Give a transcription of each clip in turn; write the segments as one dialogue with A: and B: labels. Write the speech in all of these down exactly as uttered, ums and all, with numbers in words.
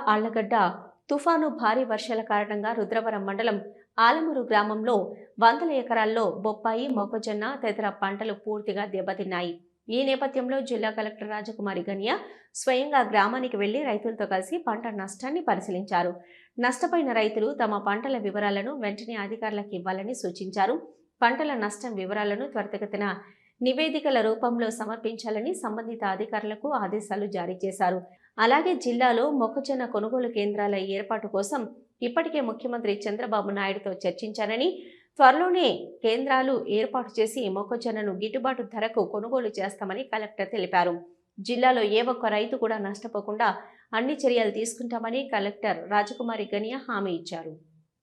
A: ఆళ్లగడ్డ తుఫాను భారీ వర్షాల కారణంగా రుద్రవరం మండలం ఆలమూరు గ్రామంలో వందల ఎకరాల్లో బొప్పాయి, మొక్కజొన్న తదితర పంటలు పూర్తిగా దెబ్బతిన్నాయి. ఈ నేపథ్యంలో జిల్లా కలెక్టర్ రాజకుమారి గనియా స్వయంగా గ్రామానికి వెళ్లి రైతులతో కలిసి పంట నష్టాన్ని పరిశీలించారు. నష్టపోయిన రైతులు తమ పంటల వివరాలను వెంటనే అధికారులకు ఇవ్వాలని సూచించారు. పంటల నష్టం వివరాలను త్వరితగతిన నివేదికల రూపంలో సమర్పించాలని సంబంధిత అధికారులకు ఆదేశాలు జారీ చేశారు. అలాగే జిల్లాలో మొక్కజొన్న కొనుగోలు కేంద్రాల ఏర్పాటు కోసం ఇప్పటికే ముఖ్యమంత్రి చంద్రబాబు నాయుడుతో చర్చించారని, త్వరలోనే కేంద్రాలు ఏర్పాటు చేసి మొక్కజొన్నను గిట్టుబాటు ధరకు కొనుగోలు చేస్తామని కలెక్టర్ తెలిపారు. జిల్లాలో ఏ ఒక్క రైతు కూడా నష్టపోకుండా అన్ని చర్యలు తీసుకుంటామని కలెక్టర్ రాజకుమారి గనియా హామీ ఇచ్చారు.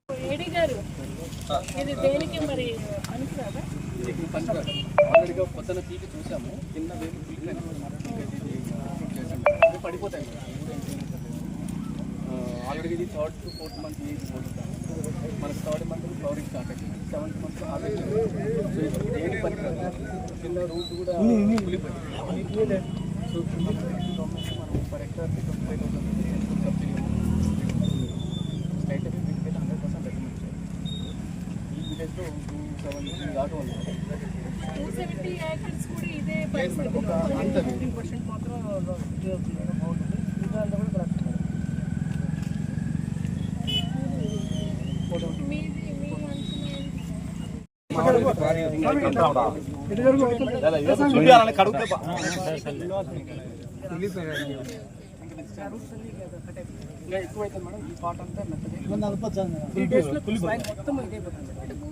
B: ఆల్రెడీ ఇది third to fourth month age మనకి థర్డ్ మంత్ ఫ్లవరింగ్ స్టార్ట్ అయింది. Seventh month harvest. సో ఇది దేని పని కింద రూట్ కూడా కూలిపోయింది. సో మనం for hectare twenty five thousand subsidy state వీటికి హండ్రెడ్ పర్సెంట్ రికమెండ్ చేయాలి. ఈ విలేజ్లో టూ సెవెంటీ దాకా ఉంది.
C: టూ సెవెంటీ ఏకర్స్ కూడా ఇదే పరిస్థితి.
B: ఒక అంత ఫిఫ్టీన్ పర్సెంట్ మాత్రం బాగుంటుంది. ఇంకా అంతా కూడా కరెక్ట్. ఎక్కువైతే మేడం ఈ పాట అంతా మొత్తం ఇదైపోతుంది.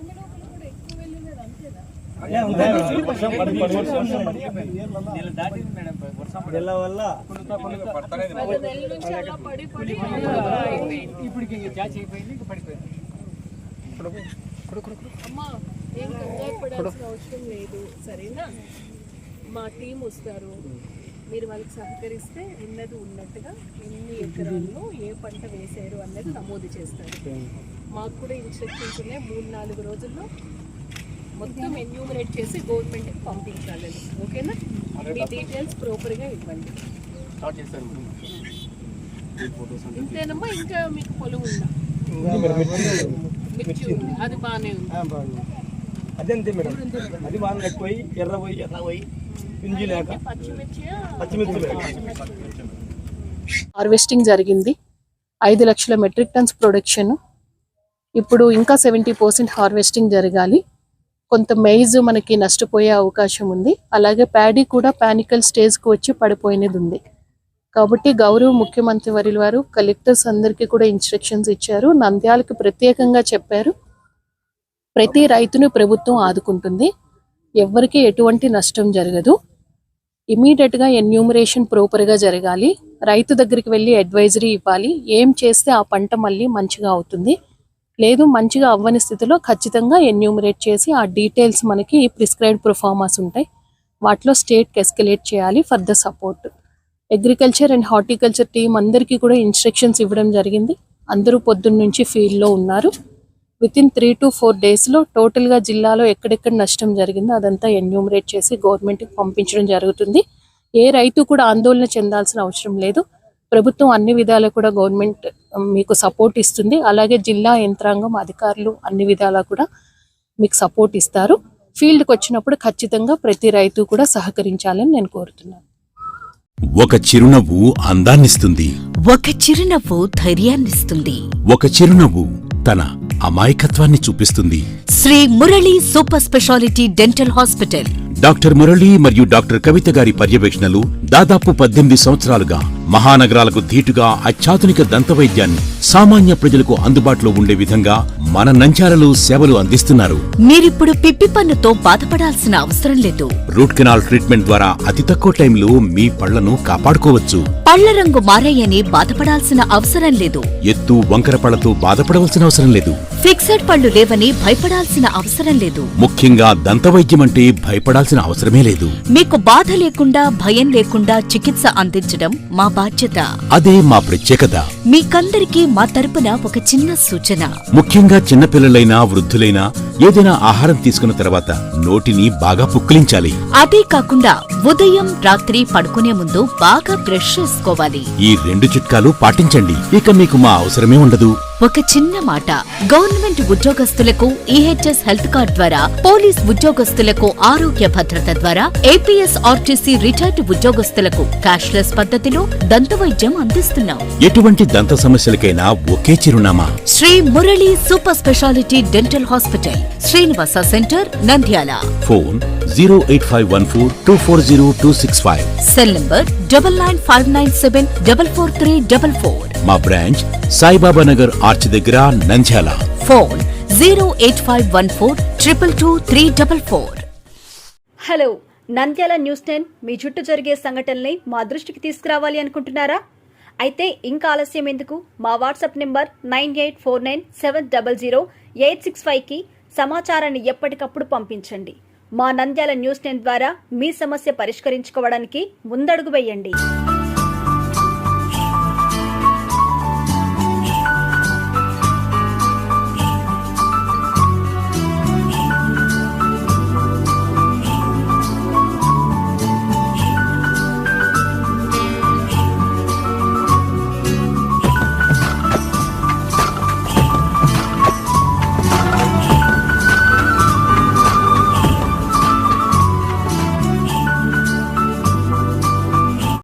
B: ఇప్పటికి క్యాచ్ అయిపోయింది, ఇంకా పడిపోయింది.
C: అమ్మా ఏం కంగారు పడాల్సిన అవసరం లేదు, సరేనా? మా టీం వస్తారు, మీరు వాళ్ళకి సహకరిస్తే ఉన్నది ఉన్నట్టుగా ఎన్ని ఎకరాల్లో ఏ పంట వేశారు అన్నది నమోదు చేస్తారు. మాకు కూడా ఇన్స్ట్రక్షన్స్ ఉన్నాయి, మూడు నాలుగు రోజుల్లో మొత్తం ఎన్యూమరేట్ చేసి గవర్నమెంట్కి పంపించాలని. ఓకేనా? మీ డీటెయిల్స్ ప్రాపర్గా ఇవ్వండి. ఇంతేనమ్మా? ఇంకా మీకు పొలం ఉందా? మిర్చి ఉంది, అది బాగానే ఉంది.
B: అదంతే మేడం, అది బాగా ఎక్కువై ఎర్ర పోయి ఎర్ర పోయి పింజి లేక పచ్చిమిర్చి.
C: హార్వెస్టింగ్ జరిగింది, ఐదు లక్షల మెట్రిక్ టన్స్ ప్రొడక్షన్. ఇప్పుడు ఇంకా సెవెంటీ పర్సెంట్ హార్వెస్టింగ్ జరగాలి. కొంత మెయిజ్ మనకి నష్టపోయే అవకాశం ఉంది. అలాగే ప్యాడీ కూడా పానికల్ స్టేజ్కి వచ్చి పడిపోయినది ఉంది. కాబట్టి గౌరవ ముఖ్యమంత్రి వర్యుల వారు కలెక్టర్స్ అందరికీ కూడా ఇన్స్ట్రక్షన్స్ ఇచ్చారు. నంద్యాలకు ప్రత్యేకంగా చెప్పారు, ప్రతి రైతును ప్రభుత్వం ఆదుకుంటుంది, ఎవరికి ఎటువంటి నష్టం జరగదు. ఇమీడియట్గా ఎన్యూమరేషన్ ప్రాపర్గా జరగాలి. రైతు దగ్గరికి వెళ్ళి అడ్వైజరీ ఇవ్వాలి, ఏం చేస్తే ఆ పంట మళ్ళీ మంచిగా అవుతుంది, లేదు మంచిగా అవ్వని స్థితిలో ఖచ్చితంగా ఎన్యూమరేట్ చేసి ఆ డీటెయిల్స్ మనకి ప్రిస్క్రైబ్డ్ ప్రొఫార్మాస్ ఉంటాయి, వాటిలో స్టేట్కి ఎస్కలేట్ చేయాలి for the support. Agriculture and horticulture team అందరికీ కూడా ఇన్స్ట్రక్షన్స్ ఇవ్వడం జరిగింది. అందరూ పొద్దున్న నుంచి ఫీల్డ్లో ఉన్నారు. Within three to four డేస్లో టోటల్గా జిల్లాలో ఎక్కడెక్కడ నష్టం జరిగిందో అదంతా ఎన్యూమరేట్ చేసి గవర్నమెంట్కి పంపించడం జరుగుతుంది. ఏ రైతు కూడా ఆందోళన చెందాల్సిన అవసరం లేదు. ప్రభుత్వం అన్ని విధాలా కూడా గవర్నమెంట్ మీకు సపోర్ట్ ఇస్తుంది. అలాగే జిల్లా యంత్రాంగం అధికారులు అన్ని విధాలా కూడా మీకు సపోర్ట్ ఇస్తారు. ఫీల్డ్కి వచ్చినప్పుడు ఖచ్చితంగా ప్రతి రైతు కూడా సహకరించాలని నేను కోరుతున్నాను.
D: ఒక చిరునవ్వు అందాన్నిస్తుంది,
E: ఒక చిరునవ్వు ధైర్యాన్నిస్తుంది,
D: ఒక చిరునవ్వు తన అమాయకత్వాన్ని చూపిస్తుంది.
E: Shri Murali super speciality dental hospital.
D: Doctor Murali మరియు డాక్టర్ కవిత గారి పర్యవేక్షణలు దాదాపు పద్దెనిమిది సంవత్సరాలుగా మహానగరాలకు ధీటుగా అత్యాధునిక దంతవైద్యాన్ని సామాన్య ప్రజలకు అందుబాటులో ఉండే విధంగా మన నంద్యాలలో సేవలు అందిస్తున్నారు.
E: మీరిప్పుడు పిప్పి పన్నుతో బాధపడాల్సిన అవసరం లేదు.
D: రూట్ కెనాల్ ట్రీట్మెంట్ ద్వారా అతి తక్కువ టైంలో మీ పళ్లను కాపాడుకోవచ్చు.
E: పళ్ల రంగు మారాయని బాధపడాల్సిన అవసరం లేదు.
D: ఎత్తు వంకర పళ్లతో బాధపడవలసిన అవసరం లేదు.
E: ఫిక్సెడ్ పళ్లు లేవని భయపడాల్సిన అవసరం లేదు.
D: ముఖ్యంగా దంతవైద్యం అంటే భయపడాల్సిన అవసరమే లేదు.
E: మీకు బాధ లేకుండా భయం లేకుండా చికిత్స అందించడం మా బాధ్యత.
D: అదే మా ప్రత్యేకత.
E: మీకందరికీ మా తరపున ఒక చిన్న సూచన.
D: ముఖ్యంగా చిన్నపిల్లలైనా వృద్ధులైనా ఏదైనా ఆహారం తీసుకున్న తర్వాత నోటిని బాగా పుక్కిలించాలి.
E: అదే కాకుండా ఉదయం రాత్రి పడుకునే ముందు బాగా బ్రష్ చేసుకోవాలి.
D: ఈ రెండు చిట్కాలు పాటించండి, ఇక మీకు మా అవసరమే ఉండదు.
E: ఒక చిన్న మాట, గవర్నమెంట్ ఉద్యోగస్తులకు ఈహెచ్ఎస్ హెల్త్ కార్డ్ ద్వారా, పోలీస్ ఉద్యోగస్తులకు ఆరోగ్య భద్రత ద్వారా, ఏపీఎస్ ఆర్టీసీ రిటైర్డ్ ఉద్యోగస్తులకు క్యాష్లెస్ పద్ధతిలో దంతవైద్యం అందిస్తున్నాం.
D: ఎటువంటి దంత సమస్యలకైనా ఒకే చిరునామా,
E: Shri Murali super speciality dental hospital, Srinivasa centre, Nandyal.
D: Phone zero eight five one four two four zero two six five.
E: Cell number double nine five nine seven double four three double four.
D: మా బ్రాంచ్ సాయిబాబా నగర్ ఆర్చ్ దగ్గర, Nandyal.
E: Phone zero eight five one four triple two three double four.
F: Hello, Nandyal news ten మీ చుట్టూ జరిగే సంఘటనల్ని మా దృష్టికి తీసుకురావాలి అనుకుంటున్నారా? అయితే ఇంకా ఆలస్యం ఎందుకు? మా WhatsApp number nine eight four nine seven double zero eight six ఫైవ్కి సమాచారాన్ని ఎప్పటికప్పుడు పంపించండి. మా నంద్యాల న్యూస్ టెన్ ద్వారా మీ సమస్య పరిష్కరించుకోవడానికి ముందడుగు వేయండి.